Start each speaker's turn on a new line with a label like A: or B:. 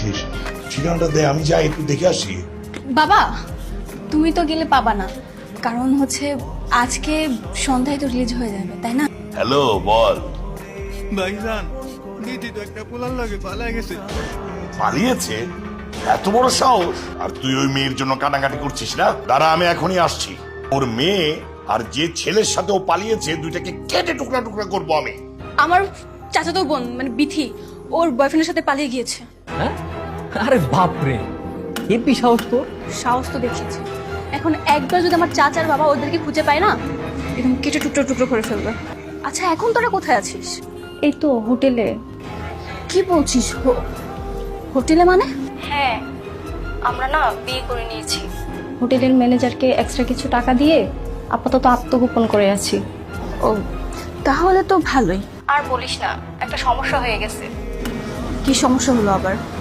A: দেখিস, ঠিকানাটা দে, আমি যাই একটু দেখে আসি।
B: বাবা, তুমি তো গেলে পাবা না, কারণ হচ্ছে আজকে সন্ধ্যায় তো রিলিজ হয়ে যাবে, তাই না?
A: হ্যালো, বল।
C: ভাইজান, দিদি তো একটা পোলার লাগে পালাই গেছে।
A: পালিয়েছে? এত বড় সাহস! আর তুই ওই মেয়ের জন্য কাটাকাটি করছিস না? দাঁড়া, আমি এখনই আসছি। ওর মেয়ে আর যে ছেলের সাথে ও পালিয়েছে, দুইটাকে কেটে টুকরা টুকরা করবো আমি।
B: আমার চাচাতো বোন মানে বিথি ওর বয়ফ্রেন্ডের সাথে পালিয়ে গিয়েছে।
D: হ্যাঁ? আরে বাপরে, হেপি সাহস তোর।
B: সাহস তো দেখিয়েছে, এখন একবার যদি আমার চাচার বাবা ওদেরকে খুঁজে পায় না, একদম কেটে টুকরো টুকরো করে ফেলবে। আচ্ছা, এখন তোরা কোথায় আছিস?
E: এই তো হোটেলে।
B: কি বলছিস? হোটেলে মানে?
E: হ্যাঁ, আমরা না বিয়ে করে নিয়েছি। হোটেলের ম্যানেজারকে এক্সট্রা কিছু টাকা দিয়ে আপাতত আত্মগোপন করে আছি।
B: ও, তাহলে তো ভালোই।
E: আর বলিস না, একটা সমস্যা হয়ে গেছে।
B: কি সমস্যা হলো আবার?